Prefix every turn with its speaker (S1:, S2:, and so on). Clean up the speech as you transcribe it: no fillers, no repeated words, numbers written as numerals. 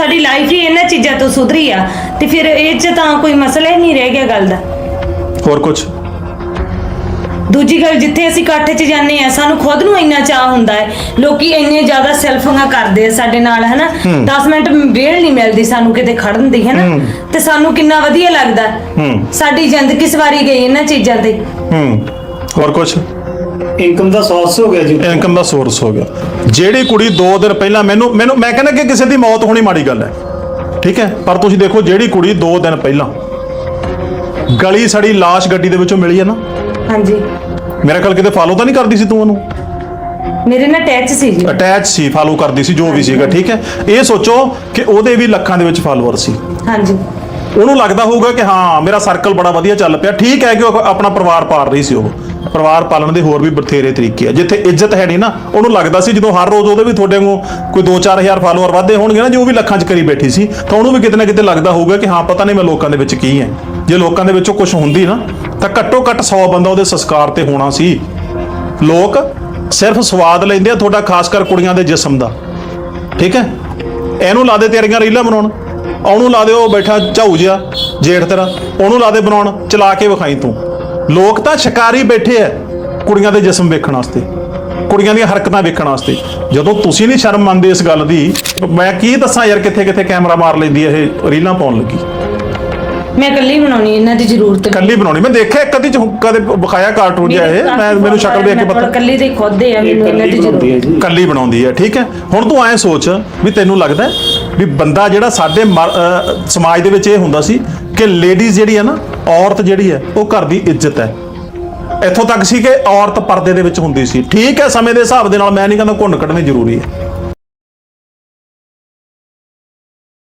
S1: ਸਾਡੀ ਲਾਈਫ ਹੀ ਇਹਨਾਂ ਚੀਜ਼ਾਂ ਤੋਂ ਸੁਧਰੀ ਆ ਤੇ ਫਿਰ ਇਹ 'ਚ ਤਾਂ ਕੋਈ ਮਸਲਾ ਹੀ ਨਹੀਂ ਰਹਿ ਗਿਆ ਗੱਲ ਦਾ।
S2: ਹੋਰ ਕੁਝ?
S1: ਦੂਜੀ ਗੱਲ, ਜਿੱਥੇ ਅਸੀਂ ਇਕੱਠ 'ਚ ਜਾਂਦੇ ਆ ਸਾਨੂੰ ਖੁਦ ਨੂੰ ਇੰਨਾ ਚਾਹ ਹੁੰਦਾ ਹੈ, ਲੋਕੀ ਇੰਨੇ ਜ਼ਿਆਦਾ ਸੈਲਫੀਆਂ ਕਰਦੇ ਆ ਸਾਡੇ ਨਾਲ, ਹਨਾ 10 ਮਿੰਟ ਵੇਲ ਨਹੀਂ ਮਿਲਦੀ ਸਾਨੂੰ ਕਿਤੇ ਖੜਨ ਦੀ, ਹਨਾ ਤੇ ਸਾਨੂੰ ਕਿੰਨਾ ਵਧੀਆ ਲੱਗਦਾ। ਸਾਡੀ ਜ਼ਿੰਦਗੀ ਸਵਾਰੀ ਗਈ ਇਹਨਾਂ ਚੀਜ਼ਾਂ ਤੇ।
S2: ਹੋਰ ਕੁਝ?
S3: ਇਨਕਮ ਦਾ ਸੋਰਸ ਹੋ ਗਿਆ ਜੀ,
S2: ਇਨਕਮ ਦਾ ਸੋਰਸ ਹੋ ਗਿਆ। ਜਿਹੜੀ ਕੁੜੀ 2 ਦਿਨ ਪਹਿਲਾਂ ਮੈਨੂੰ ਮੈਂ ਕਹਿੰਦਾ ਕਿ ਕਿਸੇ ਦੀ ਮੌਤ ਹੋਣੀ ਮਾੜੀ ਗੱਲ ਹੈ, ਠੀਕ ਹੈ, ਪਰ ਤੁਸੀਂ ਦੇਖੋ ਜਿਹੜੀ ਕੁੜੀ 2 ਦਿਨ ਪਹਿਲਾਂ ਗਲੀ ਸੜੀ ਲਾਸ਼ ਗੱਡੀ ਦੇ ਵਿੱਚੋਂ ਮਿਲੀ ਹੈ ਨਾ,
S1: ਹਾਂਜੀ,
S2: ਮੇਰਾ ਖਿਆਲ ਕਿਤੇ ਫਾਲੋ ਤਾਂ ਨਹੀਂ ਕਰਦੀ ਸੀ ਤੂੰ ਉਹਨੂੰ?
S1: ਮੇਰੇ ਨਾਲ ਅਟੈਚ ਸੀ ਜੀ।
S2: ਅਟੈਚ ਸੀ, ਫਾਲੋ ਕਰਦੀ ਸੀ, ਜੋ ਵੀ ਸੀਗਾ, ਠੀਕ ਹੈ। ਇਹ ਸੋਚੋ ਕਿ ਉਹਦੇ ਵੀ ਲੱਖਾਂ ਦੇ ਵਿੱਚ ਫਾਲੋਅਰ ਸੀ।
S1: ਹਾਂਜੀ,
S2: ਉਹਨੂੰ ਲੱਗਦਾ ਹੋਊਗਾ ਕਿ ਹਾਂ ਮੇਰਾ ਸਰਕਲ ਬੜਾ ਵਧੀਆ ਚੱਲ ਪਿਆ, ਠੀਕ ਹੈ, ਕਿ ਉਹ ਆਪਣਾ ਪਰਿਵਾਰ ਪਾਲ ਰਹੀ ਸੀ। ਉਹ ਪਰਿਵਾਰ ਪਾਲਣ ਦੇ ਹੋਰ ਵੀ ਬਥੇਰੇ ਤਰੀਕੇ ਆ। ਜਿੱਥੇ ਇੱਜ਼ਤ ਹੈ ਨਹੀਂ ਨਾ, ਉਹਨੂੰ ਲੱਗਦਾ ਸੀ ਜਦੋਂ ਹਰ ਰੋਜ਼ ਉਹਦੇ ਵੀ ਤੁਹਾਡੇ ਨੂੰ ਕੋਈ 2-4 ਹਜ਼ਾਰ ਫਾਲੋਅਰ ਵੱਧਦੇ ਹੋਣਗੇ ਨਾ, ਜੋ ਵੀ ਲੱਖਾਂ 'ਚ ਕਰੀ ਬੈਠੀ ਸੀ, ਤਾਂ ਉਹਨੂੰ ਵੀ ਕਿਤੇ ਨਾ ਕਿਤੇ ਲੱਗਦਾ ਹੋਊਗਾ ਕਿ ਹਾਂ ਪਤਾ ਨਹੀਂ ਮੈਂ ਲੋਕਾਂ ਦੇ ਵਿੱਚ ਕੀ ਹੈ। ਜੇ ਲੋਕਾਂ ਦੇ ਵਿੱਚੋਂ ਕੁਝ ਹੁੰਦੀ ਨਾ ਤਾਂ ਘੱਟੋ ਘੱਟ 100 ਬੰਦਾ ਉਹਦੇ ਸੰਸਕਾਰ ਤੇ ਹੋਣਾ ਸੀ। ਲੋਕ ਸਿਰਫ ਸਵਾਦ ਲੈਂਦੇ ਆ ਤੁਹਾਡਾ, ਖਾਸ ਕਰ ਕੁੜੀਆਂ ਦੇ ਜਿਸਮ ਦਾ, ਠੀਕ ਹੈ। ਇਹਨੂੰ ਲਾ ਦੇ ਤੇਰੀਆਂ ਰੀਲਾਂ ਬਣਾਉਣ, ਉਹਨੂੰ ਲਾ ਦੇ ਉਹ ਬੈਠਾ ਝਾਊ ਜਿਹਾ ਜੇਠ ਤੇਰਾ, ਉਹਨੂੰ ਲਾ ਦੇ ਬਣਾਉਣ, ਚਲਾ ਕੇ ਵਿਖਾਈ ਤੂੰ। ਲੋਕ ਤਾਂ ਸ਼ਿਕਾਰੀ ਬੈਠੇ ਐ ਕੁੜੀਆਂ ਦੇ ਜਿਸਮ ਵੇਖਣ ਵਾਸਤੇ, ਕੁੜੀਆਂ ਦੀਆਂ ਹਰਕਤਾਂ ਵੇਖਣ ਵਾਸਤੇ। ਜਦੋਂ ਤੁਸੀਂ ਨਹੀਂ ਸ਼ਰਮ ਮੰਨਦੇ ਇਸ ਗੱਲ ਦੀ, ਮੈਂ ਕੀ ਦੱਸਾਂ ਯਾਰ, ਕਿੱਥੇ ਕਿੱਥੇ ਕੈਮਰਾ ਮਾਰ ਲੈਂਦੀ ਇਹ ਰੀਲਾਂ ਪਾਉਣ ਲੱਗੀ।
S1: ਮੈਂ ਇਕੱਲੀ ਬਣਾਉਣੀ, ਇਹਨਾਂ ਦੀ ਜ਼ਰੂਰਤ ਨਹੀਂ।
S2: ਇਕੱਲੀ ਬਣਾਉਣੀ, ਮੈਂ ਦੇਖਿਆ ਇੱਕ ਅੱਧੀ ਕਦੇ ਵਿਖਾਇਆ ਕਾਰਟੂਨ ਜਿਹਾ ਇਹ, ਮੈਨੂੰ ਸ਼ਕਲ ਵੇਖ ਕੇ ਪਤਾ
S1: ਇਕੱਲੀ ਦੇ ਖੁਦ ਹੈ, ਮੈਨੂੰ ਇਹਨਾਂ ਦੀ ਜ਼ਰੂਰਤ ਹੈ।
S2: ਇਕੱਲੀ ਬਣਾਉਂਦੀ ਹੈ, ਠੀਕ ਹੈ। ਹੁਣ ਤੂੰ ਐਂ ਸੋਚ ਵੀ ਤੈਨੂੰ ਲੱਗਦਾ ਵੀ ਬੰਦਾ ਜਿਹੜਾ ਸਾਡੇ ਸਮਾਜ ਦੇ ਵਿੱਚ ਇਹ ਹੁੰਦਾ ਸੀ ਕਿ ਲੇਡੀਜ਼ ਜਿਹੜੀ ਹੈ ਨਾ, ਔਰਤ ਜਿਹੜੀ ਹੈ ਉਹ ਘਰ ਦੀ ਇੱਜ਼ਤ ਹੈ। ਇੱਥੋਂ ਤੱਕ ਸੀ ਕਿ ਔਰਤ ਪਰਦੇ ਦੇ ਵਿੱਚ ਹੁੰਦੀ ਸੀ, ਠੀਕ ਹੈ। ਸਮੇਂ ਦੇ ਹਿਸਾਬ ਦੇ ਨਾਲ ਮੈਂ ਨਹੀਂ ਕਹਿੰਦਾ ਘੁੰਡ ਕੱਢਣੀ ਜ਼ਰੂਰੀ ਹੈ,